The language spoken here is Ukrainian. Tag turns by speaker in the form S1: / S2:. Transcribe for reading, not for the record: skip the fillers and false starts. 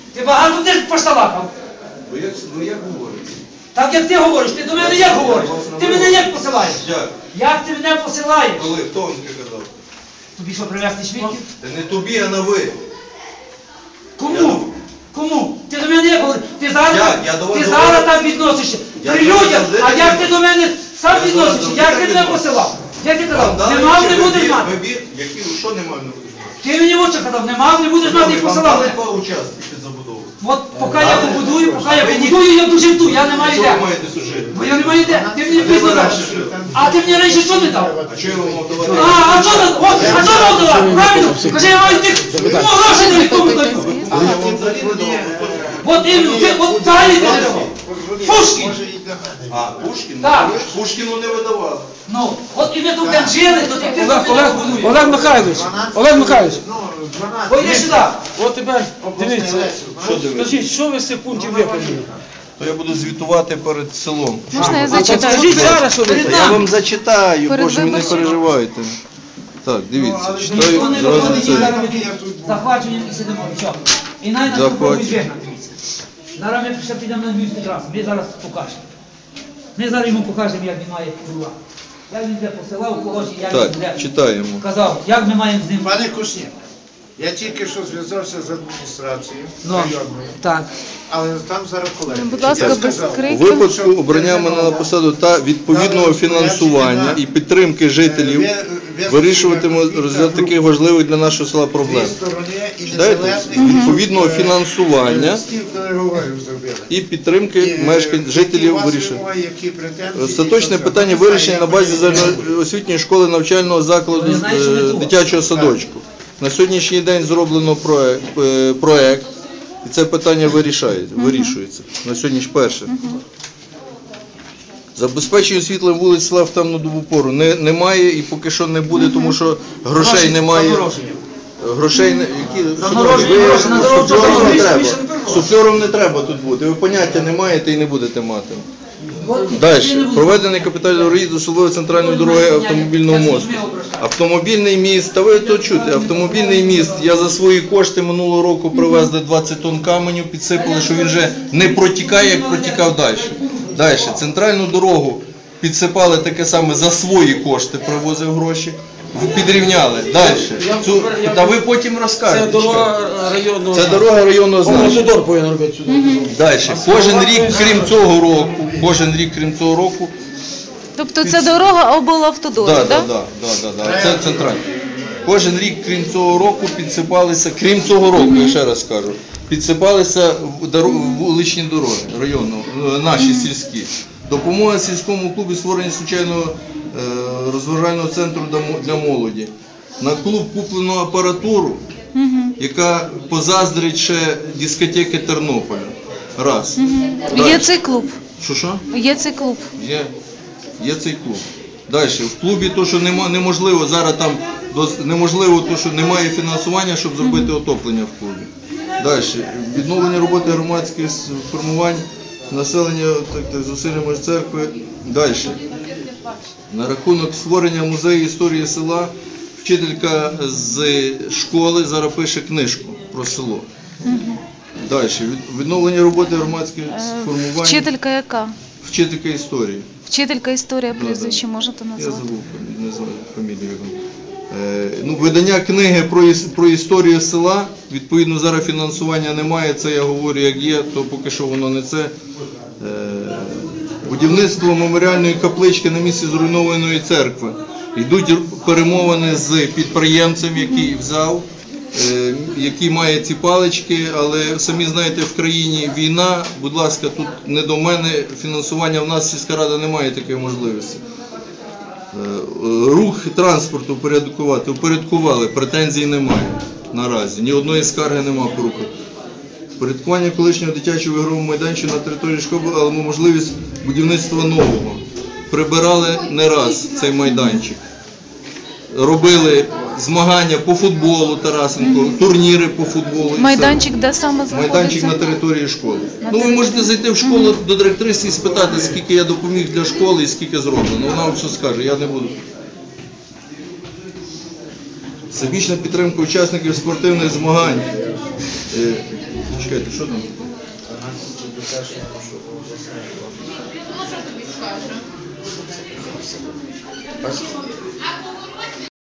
S1: Ти багато ти пошталакав.
S2: Ну як говорите?
S1: Так як ти говориш, ти до мене як говориш? Ти мене як посилаєш?
S2: Як?
S1: Як ти мене посилаєш?
S2: Коли? Хто вам таке казав?
S1: Тобі що, привезти свідків?
S2: Та не тобі, а на ви.
S1: Кому? Кому? Ти до мене як говориш? Ти зараз,
S2: Я до вас
S1: ти
S2: говорю.
S1: зараз так відносишся.
S2: Я
S1: При
S2: до вас
S1: людях,
S2: завжди
S1: а
S2: так
S1: як ти
S2: відношусь.
S1: до мене сам
S2: Я до вас
S1: відносишся?
S2: завжди
S1: Як
S2: так
S1: ти мене
S2: відношусь.
S1: посилав? Як ти
S2: Вам
S1: казав?
S2: дали
S1: Не мав,
S2: чи
S1: не будеш мати.
S2: вибір, що не мав, не будеш мати?
S1: Ти мені в очі казав, не мав, не будеш мати і
S2: Вам
S1: посилав.
S2: дали 2 участки під забудову.
S1: От поки я побудую, я дуже жду, я не маю
S2: Що
S1: де.
S2: ви маєте служити?
S1: Бо я не маю де. Ти мені
S2: А де
S1: пізно
S2: ви
S1: дав.
S2: раніше жили?
S1: А ти мені раніше що не дав?
S2: А що я вам мав давати?
S1: А що нам давати? Правильно? Кажи, я маю тих, грошей не нікому даю.
S2: Але я вам взагалі не давав.
S1: От іменно, ти от взагалі ти не давав. Пушкін.
S2: А, Пушкін?
S1: Так.
S2: Пушкіну не видавали.
S1: Ну, от і ми тут там жили, то ти
S3: Олег Михайлович, Олег Михайлович,
S1: Ой, іди сюди.
S3: от тепер дивіться,
S2: Що дивитися?
S3: скажіть, що ви з цих пунктів виконали?
S2: То я буду звітувати перед селом.
S4: Можна я
S3: Скажіть
S4: зачитаю?
S3: зараз, що ви
S1: Перед
S2: Та я вам зачитаю,
S4: Перед
S2: боже, ви не
S4: виборчим.
S2: переживайте. Так, дивіться,
S1: Ніхто
S2: читаю
S1: не
S2: зразу
S1: виходить, і
S2: це.
S1: зараз ми тут захвачуємо і сидимо. І що? І навіть нас попробують вигнати. Зараз ми ще підемо на Львівський трас, ми зараз покажемо. Ми зараз йому покажемо, як він має керувати. Як він буде посилав когось, і як він
S2: Так,
S1: буде
S2: читаємо.
S1: казав, як ми маємо з ним.
S5: Пане Кушнір, я тільки що зв'язався з адміністрацією
S1: Ну,
S5: районною,
S1: так.
S5: але там зараз колеги.
S4: Будь ласка,
S5: Я
S4: без
S5: сказав,
S2: У
S4: криків.
S2: випадку обрання мене на посаду та відповідного фінансування і підтримки жителів вирішуватиме розгляд таких важливих для нашого села проблем.
S5: дві сторони і
S2: Читаєте?
S5: незалежних
S2: Відповідного фінансування
S5: стільки переговорів зробили.
S2: і підтримки жителів вирішує.
S5: вирішують.
S2: Остаточне питання вирішення на базі загальноосвітньої школи навчального закладу дитячого садочку. На сьогоднішній день зроблено проект, і це питання вирішується. На сьогоднішній перше. Забезпечення світлом вулиць села в темну добу пору немає і поки що не буде, тому що грошей немає. Грошей не треба. Суфльором не треба тут бути. Ви поняття не маєте і не будете мати. Далі. Проведений капітальний ремонт до селової центральної дороги автомобільного мосту. Автомобільний міст, та ви то чуєте, автомобільний міст, я за свої кошти минулого року привезли 20 тонн каменю, підсипали, що він вже не протікає, як протікав далі. Далі. Центральну дорогу підсипали таке саме за свої кошти, привозив гроші. Підрівняли. Далі. Та ви потім розкажете.
S3: Це дорога районного.
S2: Це дорога районного значення.
S3: Автодор повинен робити сюди.
S2: Далі. Кожен рік, крім цього року,
S4: Тобто це дорога облавтодору, так?
S2: Це центральне. Кожен рік, крім цього року, підсипалися, крім цього року, я ще раз кажу, підсипалися вуличні дороги районного, наші сільські. Допомога сільському клубу створення случайного розважального центру для молоді. На клуб куплено апаратуру, яка позаздрить ще дискотеки Тернополя. Раз.
S4: Є цей клуб.
S2: Що?
S4: Є цей клуб.
S2: Є цей клуб. Далі. В клубі то, що неможливо, зараз там неможливо, то, що немає фінансування, щоб зробити отоплення в клубі. Далі. Відновлення роботи громадських формувань, населення зусиллями церкви. Далі. На рахунок створення музею історії села, вчителька з школи зараз пише книжку про село. Далі. Відновлення роботи громадських формувань.
S4: Вчителька яка?
S2: Вчителька історії.
S4: Вчителька історія прізвище можете
S2: Я
S4: назвати?
S2: забув, не знаю фамілію. Видання книги про історію села, відповідно зараз фінансування немає, це я говорю як є, то поки що воно не це. Будівництво меморіальної каплички на місці зруйнованої церкви. Йдуть перемовини з підприємцем, який взяв, який має ці палички, але самі знаєте, в країні війна, будь ласка, тут не до мене, фінансування в нас сільська рада не має такої можливості. Рух транспорту упорядкували, претензій немає наразі, ні одної скарги немає по руху. Порядкування колишнього дитячого ігрового майданчика на території школи, але можливість будівництва нового. Прибирали не раз цей майданчик. Робили змагання по футболу Тарасенко, турніри по футболу.
S4: Майданчик де саме знаходиться?
S2: Майданчик на території школи. Ну, ви можете зайти в школу до директриси і спитати, скільки я допоміг для школи і скільки зроблено. Вона вам все скаже, я не буду. Всебічна підтримка учасників спортивних змагань. Чекайте, що там?
S6: Ну, що тобі скаже?